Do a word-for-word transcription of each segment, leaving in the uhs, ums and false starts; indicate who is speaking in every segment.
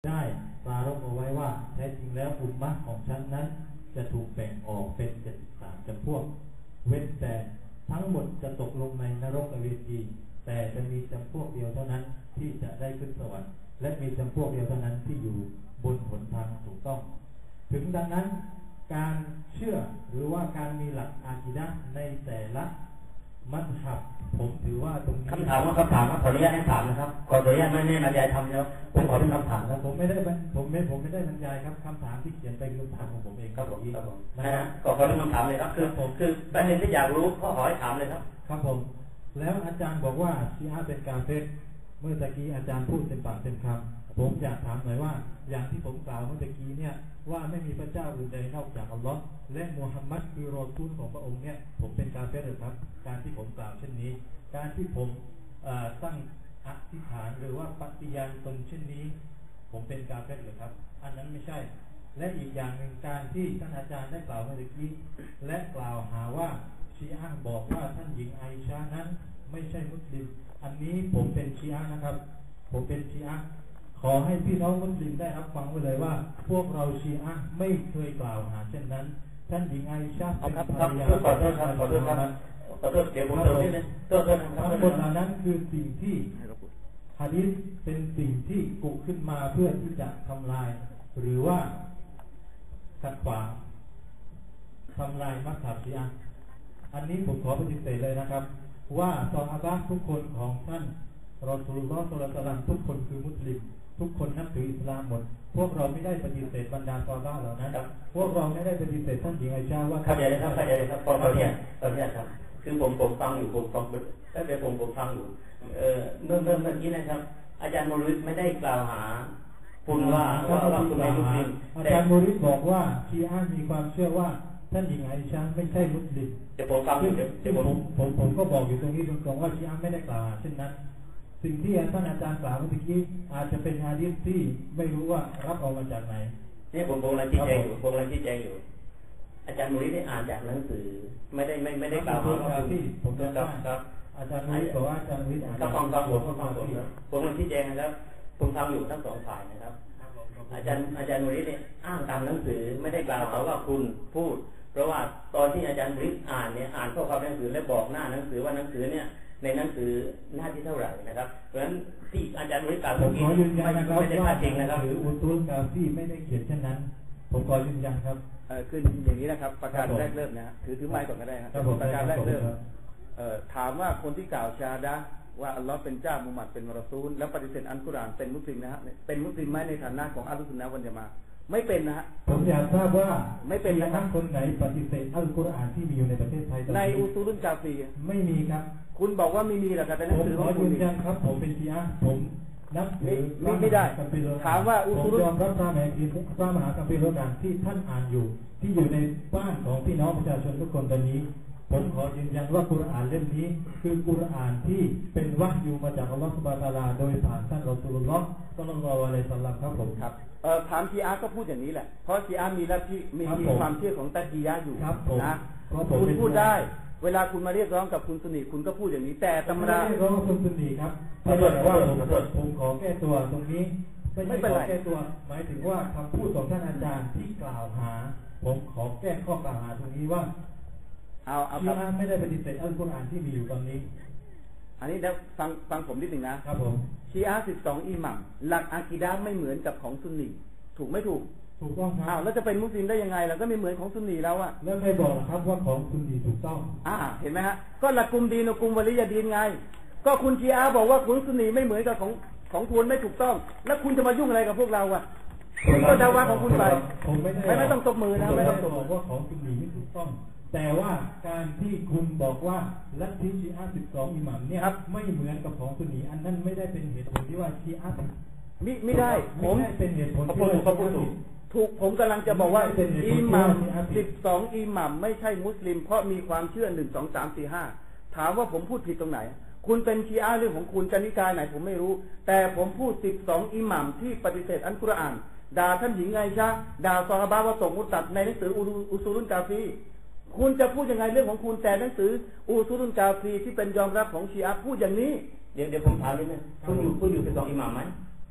Speaker 1: ได้ปรารภเอาไว้ว่าแท้จริงแล้วอุมมะของฉันนั้นจะถูกแบ่งออกเป็นเจ็ดสิบสามจำพวกเว้นแต่ทั้งหมดจะตกลงในนรกอเวจีแต่จะมีจำพวกเดียวเท่านั้นที่จะได้ขึ้นสวรรค์และมีจำพวกเดียวเท่านั้นที่อยู่บนหนทางถูกต้องถึงดังนั้นการเชื่อหรือว่าการมีหลักอากีดะห์ในแต่ละมัธฮับผมถือว่าตรงนี้
Speaker 2: คำถามว่าคำถามครับขออนุญาตให้ถามนะครับขออนุญาตไม่ไม่บรรยายทำแล้วผมขอเป็นคำถามครับ
Speaker 1: ผมไม่ได้ผมไม่ผมไม่ได้บรรยายครับคำถามที่เขียนไปคือคำถามของผมเอง
Speaker 2: ครับผมครับผม
Speaker 1: นะ
Speaker 2: ฮะก็ขอเป็นคำถามเลยครับคือผมคือประเด็นที่อยากรู้ก็ขอให้ถามเลยครับ
Speaker 1: ครับผมแล้วอาจารย์บอกว่าชีอะห์เป็นกาเฟรเมื่อตะกี้อาจารย์พูดเต็มปากเต็มคำผมอยากถามหน่อยว่าอย่างที่ผมกล่าวเมื่อตะกี้เนี่ยว่าไม่มีพระเจ้าอื่นใดนอกจากอัลลอฮ์และมูฮัมมัดคือรอซูลของพระองค์เนี่ยผมเป็นกาเฟรหรือครับการที่ผมกล่าวเช่นนี้การที่ผมตั้งอธิษฐานหรือว่าปฏิญาณตนเช่นนี้ผมเป็นกาเฟรหรือครับอันนั้นไม่ใช่และอีกอย่างหนึ่งการที่ท่านอาจารย์ได้กล่าวเมื่อกี้และกล่าวหาว่าชีอะห์บอกว่าท่านหญิงไอชานั้นไม่ใช่มุสลิมอันนี้ผมเป็นชีอะห์นะครับผมเป็นชีอะห์ขอให้พี่น้องมุสลิมได้รับฟังไว้เลยว่าพวกเราชีอะห์ไม่เคยกล่าวหาเช่นนั้นท่านหญิงไอชาเป็นภรรยา
Speaker 2: ขอโทษครับขอโทษครับขอโทษเดี๋ยวผมเติมนิดนึงโทษโทษครับ
Speaker 1: ทั้งหมดเหล่านั้นคือสิ่งที่หะดีษเป็นสิ่งที่กุขึ้นมาเพื่อที่จะทำลายหรือว่าขัดขวางทำลายมัซฮับชีอะห์อันนี้ผมขอปฏิเสธเลยนะครับว่าซอฮาบะห์ทุกคนของท่านรอซูลุลลอฮ์ ศ็อลลัลลอฮุอะลัยฮิวะซัลลัมทุกคนคือมุสลิมทุกคนนับถืออิสลามหมดพวกเราไม่ได้ปฏิเสธบรรดาซอฮาบะห์เหล่านั้นพวกเราไม่ได้ปฏิเสธท่านหญิงไอชาว่า
Speaker 2: เข้าใจเลยครับเข้าใจเลยครับตอนนี้ตอนนี้ครับคือผมผมฟังอยู่ผมฟังแล้วเดี๋ยวผมผมฟังอยู่เออเมื่อเมื่อเมื่อกี้นะครับอาจารย์มูริดไม่ได้กล่าวหาคุณว่าว่าว่าคุณเป็นมุสลิม
Speaker 1: อาจารย์มูริดบอกว่าชีอะห์มีความเชื่อว่าท่านหญิงไอชาไม่ใช่มุสลิม
Speaker 2: เดี๋ยวผมฟังเดี๋ยวเดี๋ยว
Speaker 1: ผมผมผมก็บอกอยู่ตรงนี้ตรงๆว่าชีอะห์ไม่ได้กล่าวหาเช่นนั้นสิ่งที่ท่านอาจารย์กล่าวเมื่อกี้อาจจะเป็นหะดีษที่ไม่รู้ว่ารับเอามาจากไหน
Speaker 2: นี่ผมผมกำลังชี้แจงอยู่ผมกำลังชี้แจงอยู่อาจารย์มูริดได้อ่านจากหนังสือไม่ได้ไม่ไม่ได้กล่าวหาว่า
Speaker 1: ที่ผมจะ
Speaker 2: ครับครับ
Speaker 1: อาจารย์มูริดบอกว่าอาจารย์มูริดอ่าน
Speaker 2: ก็ฟังฟังผมฟังผมผมกำลังชี้แจงนะครับผมฟังอยู่ทั้งสองฝ่ายนะครับอาจารย์อาจารย์มูริดเนี่ยอ้างตามหนังสือไม่ได้กล่าวหาว่าคุณพูดเพราะว่าตอนที่อาจารย์มูริดอ่านเนี่ยอ่านข้อความหนังสือและบอกหน้าหนังสือว่าหนังสือเนี่ยในหนังสือหน้าที่เท่าไหร่นะครับเพราะฉะนั้นที่อาจารย์มูริดกล่าว
Speaker 1: ผมขอยืนยันนะครับ
Speaker 2: ไม่ได้พลาดจริงนะครับ
Speaker 1: หรืออุตุลกาฟีไม่ได้เขียนเช่นนั้นผมขอยืนยันครับ
Speaker 3: เออคืออย่างนี้นะครับประการแรกเริ่มนะถือถือไม้ก่อนก็ได้ครับประการแรกเริ่มเอ่อถามว่าคนที่กล่าวชาดะว่าอัลลอฮ์เป็นเจ้ามุฮัมมัดเป็นรอซูลแล้วปฏิเสธอัลกุรอานเป็นมุสลิมนะฮะเป็นมุสลิมไหมในฐานะของอัลลุสซุนนะฮ์วัลญะมาอะห์ไม่เป็นนะฮะ
Speaker 1: ผมอยากทราบว่า
Speaker 3: ไม่เป็น
Speaker 1: นะครับคนไหนปฏิเสธอัลกุรอานที่มีอยู่ในประเทศไทย
Speaker 3: ในอุซูลุนกาฟี
Speaker 1: ไม่มีครับ
Speaker 3: คุณบอกว่าไม่มีหรอกครับแต่หนังสือ
Speaker 1: ของคุณยืนยันครับผมเป็นชีอะห์ผมนับถือ
Speaker 3: ไม่ได้ถามว่าอุ
Speaker 1: ซูลุนผมยอมรับพระมหาคัมภีร์พระมหาคัมภีร์โลกาที่ท่านอ่านอยู่ที่อยู่ในบ้านของพี่น้องประชาชนทุกคนตอนนี้ผมขอยืนยันว่ากุรอานเล่มนี้คือกุรอานที่เป็นวะห์ยูมาจากอัลลอฮฺซุบฮานะฮูวะตะอาลาโดยผ่านท่านรอซูลุลลอฮ์ ศ็อลลัลลอฮุอะลัยฮิวะซัลลัมครับผม
Speaker 3: ครับเอ่อถามชีอะห์ก็พูดอย่างนี้แหละเพราะชีอะห์มีลัทธิมีความเชื่อของตักียะห์อยู่นะคุณพูดได้เวลาคุณมาเรียกร้องกับคุณซุนนีคุณก็พูดอย่างนี้แต่ตำรา
Speaker 1: เรียกร้องคุณซุนนีครับไม่ได้ว่าผมผมขอแก้ตัวตรงนี้ไม่ใช่ขอแก้ตัวหมายถึงว่าคำพูดของท่านอาจารย์ที่กล่าวหาผมขอแก้ข้อกล่าวหาตรงนี้ว่า
Speaker 3: เอาเอา
Speaker 1: ชีอะห์ไม่ได้ปฏิเสธอัลกุรอานที่มีอยู่ตอนนี้
Speaker 3: อันนี้แล้วฟังฟังผมนิดหนึ่งนะครับ
Speaker 1: ผม
Speaker 3: ชีอะห์สิบสองอิหมัมหลักอะกีดะห์ไม่เหมือนกับของซุนนีถูกไม่ถูก
Speaker 1: ถูกต้องครับ
Speaker 3: อ้าวแล้วจะเป็นมุสลิมได้ยังไงล่ะก็ไม่เหมือนของซุนนีแล้วอะ
Speaker 1: แล้วใครบอกล่ะครับว่าของซุนนีถูกต้อง
Speaker 3: อ่าเห็นไหมฮะก็ละกุมดีนกุมวะลิยะดีนไงก็คุณชีอะห์บอกว่าคุณซุนนีไม่เหมือนกับของของคุณไม่ถูกต้องแล้วคุณจะมายุ่งอะไรกับพวกเราอะคุณก็ดะวะของคุณไป
Speaker 1: ผมไม่
Speaker 3: ได้ไม่ต้องตบมือนะ
Speaker 1: ไม่ต้องบอกว่าของซุนนีไม่ถูกต้องแต่ว่าการที่คุณบอกว่าลัทธิชีอะห์สิบสองอิหมัมเนี่ยไม่เหมือนกับของซุนนีอันนั้นไม่ได้เป็นเหตุผลที่ว่าชีอะห์
Speaker 3: มิไม่ได้
Speaker 1: ผมไม่เป็นเหตุผลที่
Speaker 3: ว่าถูกถูกผมกำลังจะบอกว่าอิหมัมสิบสองอิหมัมไม่ใช่มุสลิมเพราะมีความเชื่อหนึ่งสองสามสี่ห้าถามว่าผมพูดผิดตรงไหนคุณเป็นชีอะห์เรื่องของคุณจะนิกายไหนผมไม่รู้แต่ผมพูดสิบสองอิหมัมที่ปฏิเสธอัลกุรอานด่าท่านหญิงไงชะด่าซอฮาบะห์ว่าตกมุตัดในหนังสืออุซูลุนกาฟีคุณจะพูดยังไงเรื่องของคุณแต่หนังสืออุซูลุนกาฟีที่เป็นยอมรับของชีอะห์พูดอย่างนี้
Speaker 2: เดี๋ยวเดี๋ยวผมถามนิดนึงคุณอยู่คุณอยู่สิบสองอิหมัมไหม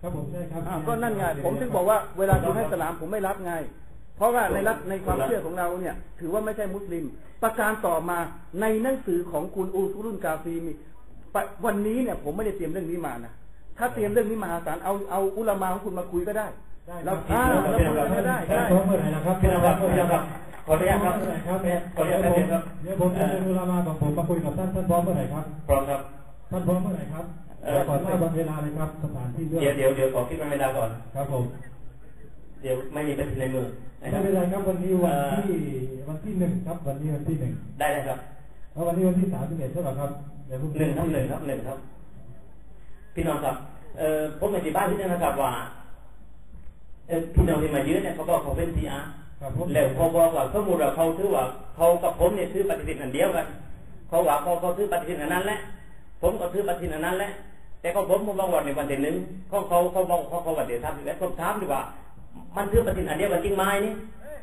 Speaker 1: ครับผมใช่ครับ
Speaker 3: อ้าวก็นั่นไงผมถึงบอกว่าเวลาคุณให้สลามผมไม่รับไง เพราะว่าในรัฐในความเชื่อของเราเนี่ย ถือว่าไม่ใช่มุสลิม ประการต่อมาในหนังสือของคุณอูซุลุนกาฟีมีวันนี้เนี่ยผมไม่ได้เตรียมเรื่องนี้มานะถ้าเตรียมเรื่องนี้มาหาศาลเอาเอาอุลามะของคุณมาคุยก็ได้เราอ่าเราคุยก็ได้ได้
Speaker 1: พร้อมเมื่อไหร่นะครับ
Speaker 2: พี่น้องครับพี่น้องครับขออนุญาตครับ
Speaker 1: ครับ
Speaker 2: ขออนุญาตครับพี่ครับ
Speaker 1: เดี๋ยวผมจะเป็นอุลามะของผมมาคุยกับท่านท่านพร้อมเมื่อไหร่ครับ
Speaker 2: พร้อมครับ
Speaker 1: ท่านพร้อมเมื่อไหร่ครับขอทราบวันเวลาเลยครับสถานที่เลือก
Speaker 2: เดี๋ยวเดี๋ยวเดี๋ยวขอคิดเวลาก่อน
Speaker 1: ครับผม
Speaker 2: เดี๋ยวไม่มีปฏิทินในมือนะค
Speaker 1: ไม่
Speaker 2: รับ
Speaker 1: เป็นไรครับวันนี้วันที่วันที่หนึ่งครับวันนี้วันที่หนึ่ง
Speaker 2: ได้เลยครับ
Speaker 1: แล้ววันนี้วันที่สามสิบเอ็ดใช่ไหมครับเดี๋ยวผม
Speaker 2: หนึ่งครับหนึ่งครับหนึ่งครับ พี่น้องครับเอ่อผมในที่บ้านที่นั่นนะครับว่าเอ่อพี่น้องที่มายืนเนี่ยเขาบอกเขาเป็นซีอาร์
Speaker 1: ครับผม
Speaker 2: แล้วเขาบอกว่าสมมติว่าเขาถือว่าเขากับผมเนี่ยถือปฏิทินอันเดียวกันเขาว่าเขาเขาถือปฏิทินอันนั้นแหละผมก็ถือปฏิทินอันนั้นแหละแต่เขาผมผมบอกว่าในวันที่หนึ่งเขาเขาเขาบอกเขาเขาวันที่สามสิบเอ็ดผมถามดีกว่ามันถือปฏิทินอันเดียวกันจริงไหมนี่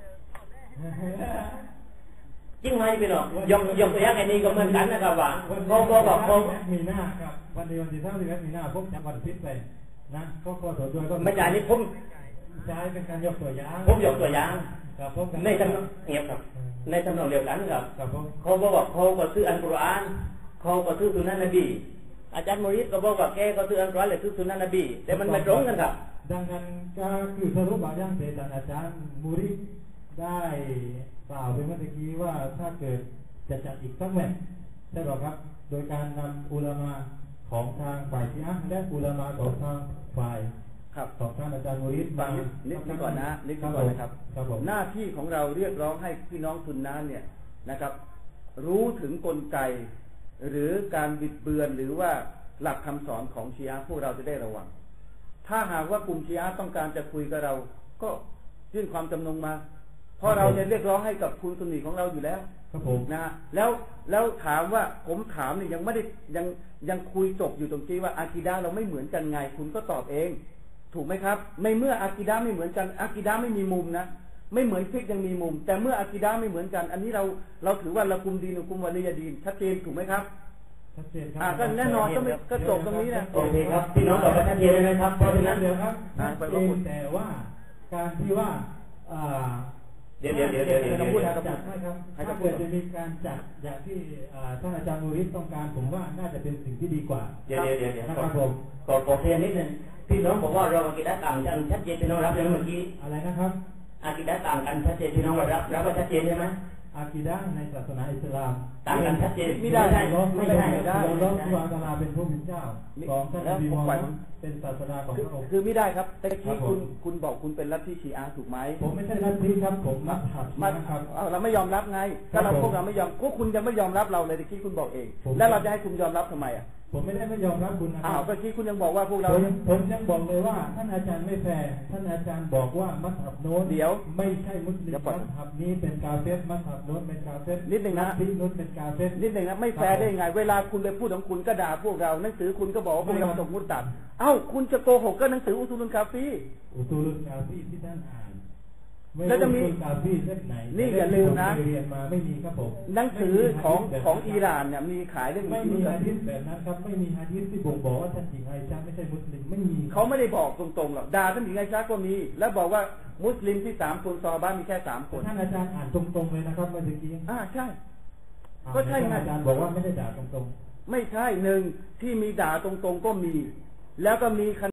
Speaker 2: จริงไหมพี่น้องยกยกตัวอย่างอันนี้ก็เหมือนกันนะครับว่าเขาบอกว่าเขา
Speaker 1: มีหน้าครับวันนี้วันที่สามสิบเอ็ดมีหน้าพบจากวันพิษไปนะก็ขอโทษด้วยก็
Speaker 2: ไม่ใช่นี่ผม
Speaker 1: ใช้เป็นการยกตัวอย่าง
Speaker 2: ผมยกตัวอย่าง
Speaker 1: ครับผม
Speaker 2: ในทำนองเงียบครับในทำนองเดียวกันครับ
Speaker 1: ครับผม
Speaker 2: เขาบอกว่าเขาก็ซื้ออัลกุรอานเขาก็ซื้อสุนนะนบีอาจารย์มูริดก็บอกว่าแกก็ซื้ออัลกุรอานหรือซื้อสุนนะนบีแต่มันไม่ตรงกันครับ
Speaker 1: ดังนั้นก็คือสรุปบางอย่างเสร็จอาจารย์มูริได้กล่าวไปเมื่อกี้ว่าถ้าเกิดจะจัดอีกสักแมตช์ใช่หรอครับ โดยการนำอุลามะของทางฝ่ายชีอะห์และอุลามะของทางฝ่าย
Speaker 3: ครับ
Speaker 1: ของท่านอาจารย์มูริด
Speaker 3: ฟังนิดนึงก่อนนะนิดนึงก่อนนะครับ
Speaker 1: ครับผม
Speaker 3: หน้าที่ของเราเรียกร้องให้พี่น้องซุนนะห์เนี่ยนะครับ รู้ถึงกลไก หรือการบิดเบือนหรือว่าหลักคำสอนของชีอะห์พวกเราจะได้ระวัง ถ้าหากว่ากลุ่มชีอะห์ต้องการจะคุยกับเรา ก็ยื่นความจำนงมา เพราะเราจะเรียกร้องให้กับคุณซุนนีของเราอยู่แล้ว
Speaker 1: ครับผม
Speaker 3: นะแล้วแล้วถามว่าผมถามเนี่ยยังไม่ได้ยังยังคุยจบอยู่ตรงที่ว่าอากีดะห์เราไม่เหมือนกันไง คุณก็ตอบเอง ถูกไหมครับไม่เมื่ออากีดะห์ไม่เหมือนกันอากีดะห์ไม่มีมุมนะไม่เหมือนฟิกยังมีมุม แต่เมื่ออากีดะห์ไม่เหมือนกัน อันนี้เราเราถือว่าเรากุมดีนกุมวะลียดีนชัดเจนถูกไหมครับ
Speaker 1: ชัดเจนครั
Speaker 3: อ่าก็แน่นอนก็ไม่ก็จบตรงนี้นะ
Speaker 2: โอเคครับพี่น้องตอบกันชัดเจนเลยนะครับเพราะฉะนั้น
Speaker 1: เดี๋ยวครับ
Speaker 3: อ่า
Speaker 1: ชัด
Speaker 3: ไป
Speaker 1: เจ
Speaker 3: ว่าคุณ
Speaker 1: นแต่ว่าการที่ว่าอ่า
Speaker 2: เดี๋ยวเดี๋ยวเดี๋ยวเดี๋ยวเดี๋ยว
Speaker 1: ถ้า
Speaker 2: เดี๋ยว
Speaker 1: พูด
Speaker 2: เดี๋ยว
Speaker 1: จัดให้ครับถ้าเกิดจะมีการจัดอย่างที่อ่าท่านอาจารย์มูริดต้องการผมว่าน่าจะเป็นสิ่งที่ดีกว่า
Speaker 2: เดี๋ยวเดี๋ยวเดี๋ยวเดี๋ยว
Speaker 1: นะครับผม
Speaker 2: ขอขอเคลียร์นิดนึงพี่น้องบอกว่าเราอากีดะห์ต่างกันชัดเจนพี่น้องรับยังเมื่อกี้
Speaker 1: อะไรนะครับ
Speaker 2: อากีดะห์ต่างกันชัดเจนพี่น้องรับรับว่าชัดเจนใช่ไหม
Speaker 1: อากีดะห์ในศาสนาอิสลาม
Speaker 2: ต่างกันชัดเจน
Speaker 3: ไม่ได้
Speaker 2: ไม่
Speaker 1: ไม่
Speaker 2: ได้
Speaker 1: ได้
Speaker 2: ไม่ได้
Speaker 1: เราล้อสุวรรณตาลาเป็นผู้เป็นเจ้าสองท่านนบีมูฮัมมัดเป็นศาสนาของ
Speaker 3: คือ
Speaker 1: พระองค์
Speaker 3: คือไม่ได้ครับแต่
Speaker 1: ครั
Speaker 3: ที่
Speaker 1: บผม
Speaker 3: คุณคุณบอกคุณเป็นลัทธิชีอะห์ถูกไหม
Speaker 1: ผมไม่ใช่ลัทธิครับผมมัธยับ
Speaker 3: มา
Speaker 1: นะครับ
Speaker 3: เอาเราไม่ยอมรับไง ถ้าเราพวกเราไม่ยอมพวกคุณยังไม่ยอมรับเราเลยตะกี้คุณบอกเอง
Speaker 1: ผม
Speaker 3: แล้วเราจะให้คุณยอมรับทำไมอ่ะ
Speaker 1: ผมไม่ได้ไม่ยอมรับคุณนะค
Speaker 3: อ้า
Speaker 1: รั
Speaker 3: ว
Speaker 1: บ
Speaker 3: เมื่อกี้คุณยังบอกว่าพวกเรา
Speaker 1: ผมผมยังบอกเลยว่าท่านอาจารย์ไม่แฟร์ท่านอาจารย์บอกว่ามัธยับโน้น
Speaker 3: เดี๋ยว
Speaker 1: ไม่ใช่มุสลิม
Speaker 3: เดี๋ยวก่อน
Speaker 1: มัธยับนี้เป็นกาเฟสมัธยับโน้นเป็นกาเฟส
Speaker 3: นิดหนึ่งนะ
Speaker 1: ลัทธิโน้นเป็นกาเฟส
Speaker 3: นิดหนึ่งนะไม่แฟร์ได้ยังไง เวลาคุณไปพูดของคุณก็ด่าพวกเราหนังสือคุณก็บอกว่าพวกเราตกมุตตัดเอ้าคุณจะโกหกก็หนังสืออุซูลุนกาฟี
Speaker 1: อุตูลุนกาฟีที่ท่านอ่านไม่
Speaker 3: แล้วจะมี
Speaker 1: รู้อุตูลุนกาฟีเล่มไหน
Speaker 3: นี่อย่าลืมนะ
Speaker 1: ที่ผเรียนมาไม่มีครับผม
Speaker 3: หนังสือของ
Speaker 1: ไม่มี
Speaker 3: ของ
Speaker 1: หะดีษ
Speaker 3: อิหร่านเนี่ยมีขายเรื่อง
Speaker 1: ไม่
Speaker 3: อุซู
Speaker 1: มี
Speaker 3: ลุนกา
Speaker 1: ฮะ
Speaker 3: ฟี
Speaker 1: ดีษแบบนั้นครับไม่มีฮะดีษที่บ่งบอกว่าท่านหญิงไอชาไม่ใช่มุสลิมไม่มี
Speaker 3: เขาไม่ได้บอกตรงๆหรอกด่าท่านหญิงไอชาก็มี แล้วบอกว่ามุสลิมที่สามคนซอฮาบะห์มีแค่สามคน
Speaker 1: ท่านอาจารย์อ่านตรงๆเลยนะครับเมื่อกี้
Speaker 3: อ่าใช่
Speaker 1: อ่า
Speaker 3: ก็ใช่ไง
Speaker 1: ท่านอาจารย์บอกว่าไม่ได้ด่าตรงๆ
Speaker 3: ไม่ใช่หนึ่งที่มีด่าตรงๆก็มี แล้วก็มี